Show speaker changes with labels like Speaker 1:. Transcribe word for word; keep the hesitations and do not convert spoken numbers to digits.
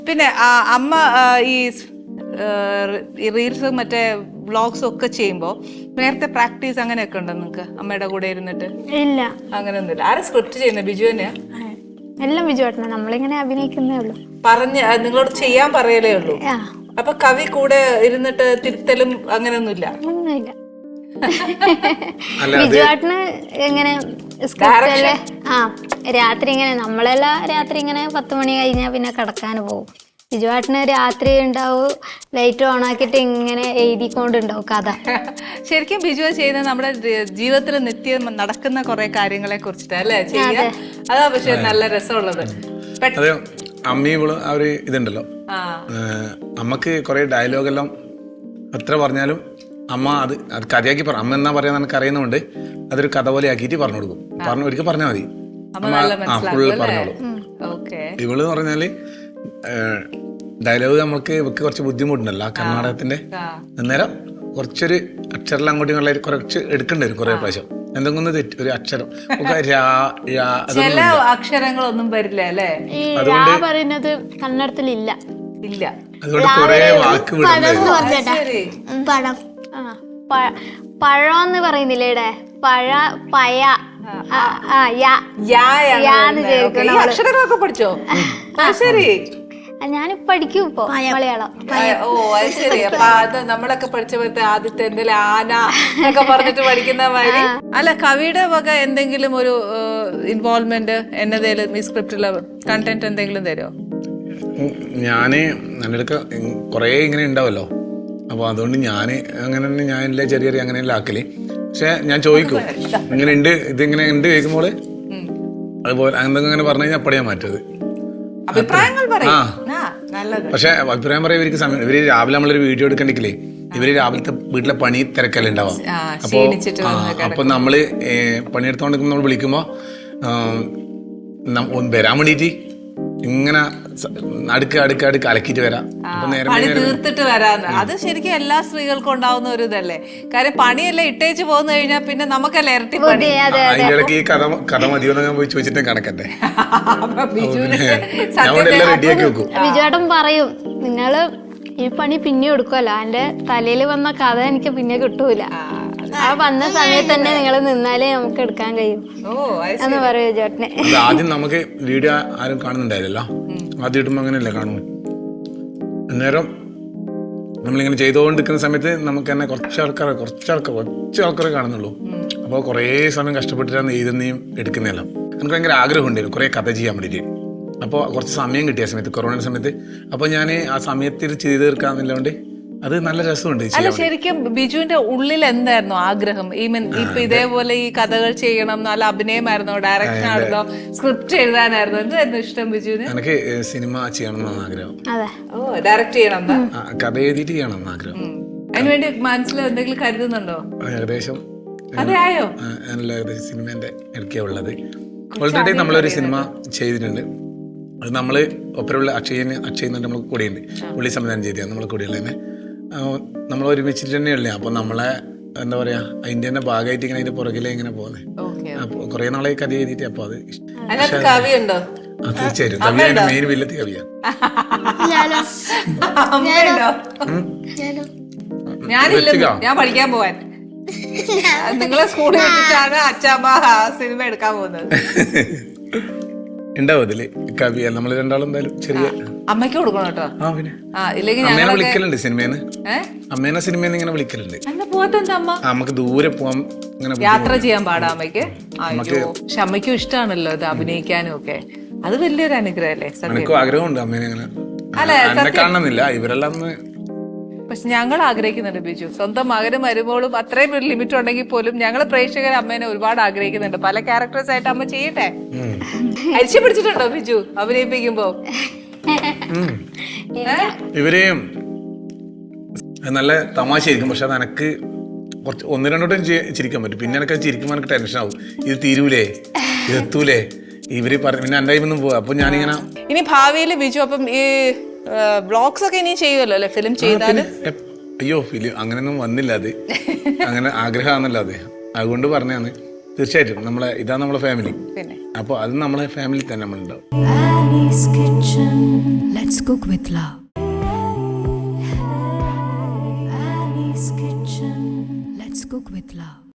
Speaker 1: പിന്നെ അമ്മ ഈ റീൽസ് മറ്റേ വ്ളോഗ്സ് ഒക്കെ ചെയ്യുമ്പോൾ നേരത്തെ പ്രാക്ടീസ് അങ്ങനെയൊക്കെ ഉണ്ടോ നിങ്ങൾക്ക് അമ്മയുടെ കൂടെ ഇരുന്നിട്ട്?
Speaker 2: ഇല്ല,
Speaker 1: അങ്ങനെയൊന്നുമില്ല. ആരാ സ്ക്രിപ്റ്റ് ചെയ്യുന്നത്? ബിജു തന്നെയാ?
Speaker 2: എല്ലാം ബിജു ഏട്ടനാ. നമ്മളിങ്ങനെ അഭിനയിക്കുന്നേ ഉള്ളൂ.
Speaker 1: പറഞ്ഞ് നിങ്ങളോട് ചെയ്യാൻ പറയലേ ഉള്ളൂ. അപ്പൊ കവി കൂടെ ഇരുന്നിട്ട് തിരുത്തലും അങ്ങനെയൊന്നുമില്ല?
Speaker 2: ഒന്നുമില്ല. ബിജു ഏട്ടന് എങ്ങനെ സ്ക്രിപ്റ്റല്ലേ? ആ, രാത്രി ഇങ്ങനെ നമ്മളെല്ലാം രാത്രി ഇങ്ങനെ പത്ത് മണി കഴിഞ്ഞാൽ പിന്നെ കിടക്കാൻ പോകും. ബിജുവാട്ടിന് രാത്രി ഉണ്ടാവും, ലൈറ്റ് ഓൺ ആക്കിയിട്ട് ഇങ്ങനെ എഴുതിക്കൊണ്ടുണ്ടാവും കഥ.
Speaker 1: ശരിക്കും ബിജു ചെയ്യുന്നത് നമ്മുടെ ജീവിതത്തിൽ നിത്യം നടക്കുന്ന കുറെ കാര്യങ്ങളെ കുറിച്ചിട്ട് അല്ലേ ചെയ്യാ? അതാ പക്ഷെ നല്ല രസമുള്ളത്.
Speaker 3: അമ്മയും ഇവള് ആ ഒരു ഇതുണ്ടല്ലോ, അമ്മക്ക് കുറെ ഡയലോഗെല്ലാം എത്ര പറഞ്ഞാലും അമ്മ അത് അത് കഥയാക്കി പറ. അമ്മ എന്നാ പറയാൻ എനിക്ക് അറിയുന്നതുകൊണ്ട് അതൊരു കഥ പോലെ ആക്കിയിട്ട് പറഞ്ഞു കൊടുക്കും. പറഞ്ഞു ഒരിക്കൽ പറഞ്ഞാൽ മതി, ആ ഫുള്ള് പറഞ്ഞോളൂ. ഇവള് പറഞ്ഞാല് ഡയലോഗ് നമുക്ക് ഇവക്ക് കുറച്ച് ബുദ്ധിമുട്ടുണ്ടല്ലോ ആ കർണാടകത്തിന്റെ. അന്നേരം കുറച്ചൊരു അക്ഷരം അങ്ങോട്ടും ഇങ്ങോട്ടും കുറച്ച് എടുക്കേണ്ടി വരും കുറെ പ്രാവശ്യം. എന്തെങ്കിലും തെറ്റ് ഒരു അക്ഷരം
Speaker 1: ചില അക്ഷരങ്ങളൊന്നും വരില്ല അല്ലേ?
Speaker 2: അതുകൊണ്ട് പറയുന്നത് കന്നഡത്തിലില്ല
Speaker 1: ഇല്ല.
Speaker 3: അതുകൊണ്ട് കുറെ വാക്ക്
Speaker 2: പഴം പഴം എന്ന് പറയുന്നില്ലേ ഇവിടെ? പഴ പയ
Speaker 1: അക്ഷരങ്ങളൊക്കെ പഠിച്ചോ? ശരി,
Speaker 2: ഞാൻ പഠിക്കും ഇപ്പൊ മലയാളം.
Speaker 1: ഓ അത് ശരി. അപ്പൊ അത് നമ്മളൊക്കെ പഠിച്ചപ്പോഴത്തെ ആദ്യത്തെ എന്തെങ്കിലും ആന ഒക്കെ പറഞ്ഞിട്ട് പഠിക്കുന്ന മാതിരി. അല്ല, കവിയുടെ വക എന്തെങ്കിലും ഒരു ഇൻവോൾവ്മെന്റ് എന്നതേലും ഈ സ്ക്രിപ്റ്റിലെ കണ്ടന്റ് എന്തെങ്കിലും തരുമോ?
Speaker 3: ഞാന് എൻ്റെ കൊറേ ഇങ്ങനെ ഉണ്ടാവല്ലോ, അപ്പൊ അതുകൊണ്ട് ഞാന് അങ്ങനെ തന്നെ ഞാൻ എല്ലാ ചെറിയ ചെറിയ അങ്ങനെയല്ല ആക്കല്. പക്ഷെ ഞാൻ ചോദിക്കും ഇങ്ങനെ ഉണ്ട്, ഇതിങ്ങനെ ഉണ്ട് ചോദിക്കുമ്പോൾ അതുപോലെ എന്തെങ്കിലും അങ്ങനെ പറഞ്ഞു കഴിഞ്ഞാൽ അപ്പടിയാൻ മാറ്റത്. പക്ഷെ അഭിപ്രായം പറയാം ഇവർക്ക് സമയം. ഇവര് രാവിലെ നമ്മളൊരു വീഡിയോ എടുക്കണ്ടെങ്കിലേ ഇവര് രാവിലത്തെ വീട്ടിലെ പണി തിരക്കല്ലേ ഉണ്ടാവാം. അപ്പൊ അപ്പൊ നമ്മള് പണിയെടുത്തോണ്ട് നമ്മൾ വിളിക്കുമ്പോ വരാൻ വേണ്ടിട്ട് ഇങ്ങനെ അടുക്ക് അടുക്ക് അടുക്ക് അലക്കിട്ട് വരാം,
Speaker 1: പണി തീർത്തിട്ട് വരാന്ന്. അത് ശരിക്കും എല്ലാ സ്ത്രീകൾക്കും ഉണ്ടാവുന്ന ഒരു ഇതല്ലേ. കാര്യം പണിയെല്ലാം ഇട്ടേച്ച് പോന്നു കഴിഞ്ഞാൽ പിന്നെ നമുക്കല്ലേ ഇരട്ടി പണി.
Speaker 3: അതിന്റെ ഇടയ്ക്ക് ഈ കഥ കഥ മതിയോന്ന് ഞാൻ പോയി ചോദിച്ചിട്ട് കണക്കട്ടെ. റെഡിയാക്കി വെക്കും.
Speaker 2: ബിജുവേട്ടൻ പറയും നിങ്ങള് ഈ പണി പിന്നെ എടുക്കുമല്ലോ, എന്റെ തലയിൽ വന്ന കഥ എനിക്ക് പിന്നെ കിട്ടൂല, ആ വന്ന സമയത്ത് തന്നെ നിങ്ങൾ നിന്നാലേ നമുക്ക് എടുക്കാൻ കഴിയും എന്ന് പറയൂ ചേട്ടനെ.
Speaker 3: ആദ്യം നമുക്ക് വീഡിയോ ആരും കാണുന്നുണ്ടായില്ലല്ലോ, ആദ്യം ഇടുമ്പോ അങ്ങനെയല്ലേ കാണും. അന്നേരം നമ്മളിങ്ങനെ ചെയ്തുകൊണ്ടിരിക്കുന്ന സമയത്ത് നമുക്ക് തന്നെ കുറച്ച് ആൾക്കാർ കുറച്ച് ആൾക്കാർ കുറച്ച് ആൾക്കാരെ കാണുന്നുള്ളൂ. അപ്പോൾ കുറേ സമയം കഷ്ടപ്പെട്ടിട്ടാണ് എഴുതുന്നതും എടുക്കുന്നതെല്ലാം. എനിക്ക് ഭയങ്കര ആഗ്രഹം ഉണ്ടായിരുന്നു കുറേ കഥ ചെയ്യാൻ വേണ്ടിയിട്ട്. അപ്പോൾ കുറച്ച് സമയം കിട്ടിയ സമയത്ത് കൊറോണ സമയത്ത് അപ്പോൾ ഞാൻ ആ സമയത്തിൽ ചെയ്ത് തീർക്കാന്നില്ലോണ്ട് അത് നല്ല രസമുണ്ട്.
Speaker 1: അല്ല, ശരിക്കും ബിജുവിന്റെ ഉള്ളിൽ എന്തായിരുന്നു ആഗ്രഹം? ഈ മീൻ ഇപ്പൊ ഇതേപോലെ ഈ കഥകൾ ചെയ്യണം, നല്ല അഭിനയമായിരുന്നോ, ഡയറക്ഷൻ ആയിരുന്നോ, സ്ക്രിപ്റ്റ് എഴുതാനായിരുന്നോ, എന്തായിരുന്നു ഇഷ്ടം ബിജുവിന്?
Speaker 3: എനിക്ക് സിനിമ ചെയ്യണം എന്നാണ് ആഗ്രഹം.
Speaker 1: ഓ, ഡയറക്റ്റ് ചെയ്യണം,
Speaker 3: കഥ എഴുതിയിട്ട് ചെയ്യണം എന്ന് ആഗ്രഹം.
Speaker 1: അതിനുവേണ്ടി മനസ്സിൽ എന്തെങ്കിലും കരുതുന്നുണ്ടോ?
Speaker 3: ഏകദേശം
Speaker 1: അതെയോ?
Speaker 3: ഏകദേശം സിനിമേന്റെ ഇടയ്ക്കാ ഉള്ളത്. ഓൾറെഡി നമ്മളൊരു സിനിമ ചെയ്തിട്ടുണ്ട്. അത് നമ്മള് ഒപ്പരമുള്ള അക്ഷയന് അക്ഷയ് നമ്മൾ കൂടെയുണ്ട്, പുള്ളി സംവിധാനം ചെയ്തതാണ് നമ്മളെ കൂടെയുള്ള തന്നെ. നമ്മൾ ഒരുമിച്ചിട്ട് തന്നെയല്ലേ. അപ്പൊ നമ്മളെ എന്താ പറയാ അതിന്റെ തന്നെ ഭാഗമായിട്ട് ഇങ്ങനെ അതിന്റെ പുറകിലെ ഇങ്ങനെ പോകുന്നത്. അപ്പൊ കുറെ നാളെ കഥ എഴുതിയിട്ട് അപ്പൊ അത് തീർച്ചയായും കവിയാണ് മെയിൻ വില്ലത്തി കവിയാണ്.
Speaker 1: ഞാൻ പഠിക്കാൻ പോവാൻ നിങ്ങളെ സ്കൂളിൽ വെച്ചിട്ടാണ് അച്ഛാമ്മ സിനിമ എടുക്കാൻ പോകുന്നത്.
Speaker 3: ഉണ്ടാവും അതില് കവിയ നമ്മൾ രണ്ടാളും എന്തായാലും ചെറിയ
Speaker 1: അമ്മയ്ക്ക് കൊടുക്കണം കേട്ടോ.
Speaker 3: അമ്മേനെ വിളിക്കലുണ്ട് സിനിമേന്ന്, അമ്മേനെ സിനിമേന്ന് ഇങ്ങനെ വിളിക്കലുണ്ട്. നമുക്ക് ദൂരെ പോവാൻ ഇങ്ങനെ
Speaker 1: യാത്ര ചെയ്യാൻ പാടാ അമ്മയ്ക്ക്. പക്ഷെ അമ്മയ്ക്കും ഇഷ്ടമാണല്ലോ ഇത് അഭിനയിക്കാനും ഒക്കെ. അത് വലിയൊരു അനുഗ്രഹം അല്ലേ?
Speaker 3: എനിക്കും ആഗ്രഹമുണ്ട് അമ്മേനെ അങ്ങനെ കാണണമെന്നില്ല, ഇവരെല്ലാം.
Speaker 1: പക്ഷെ ഞങ്ങൾ ആഗ്രഹിക്കുന്നുണ്ട് ബിജു, സ്വന്തം മകനും മരുമോളും അത്രയും ഒരു ലിമിറ്റ് ഉണ്ടെങ്കിൽ പോലും ഞങ്ങൾ പ്രേക്ഷകർ അമ്മേനെ ഒരുപാട് ആഗ്രഹിക്കുന്നുണ്ട്. പല ക്യാരക്ടേഴ്സ് ആയിട്ട് അമ്മ ചെയ്യട്ടെ. അരിച്ചു പിടിച്ചിട്ടുണ്ടോ ബിജു അഭിനയിപ്പിക്കുമ്പോ?
Speaker 3: ഇവരെയും നല്ല തമാശയായിരിക്കും, പക്ഷെ അത് എനക്ക് കുറച്ച് ഒന്ന് രണ്ടോട്ടും ചിരിക്കാൻ പറ്റും. പിന്നെ എനിക്ക് ചിരിക്കുമ്പോൾ എനിക്ക് ടെൻഷൻ ആവും, ഇത് തീരൂലേ, ഇത് എത്തൂലേ, ഇവര് പറഞ്ഞു പിന്നെ എൻ്റെ ഒന്നും പോവാ. അപ്പൊ ഞാനിങ്ങനെ
Speaker 1: ഇനി ഭാവിയിൽ ബിജു അപ്പം ഈ വ്ളോഗ്സ് ഒക്കെ ഇനി ചെയ്യുമല്ലോ അല്ലെ? ഫിലിം ചെയ്താല്?
Speaker 3: അയ്യോ ഫിലിം അങ്ങനെയൊന്നും വന്നില്ല, അത് അങ്ങനെ ആഗ്രഹമാണല്ലോ അത്, അതുകൊണ്ട് പറഞ്ഞാണ് തീർച്ചയായിട്ടും നമ്മളെ ഇതാണ് നമ്മളെ ഫാമിലി.
Speaker 1: പിന്നെ
Speaker 3: അപ്പോൾ അത് നമ്മളെ ഫാമിലി തന്നെ നമ്മളുണ്ടാവും.
Speaker 4: Annie's Kitchen. Let's cook with love. Annie's Kitchen. Let's cook with love.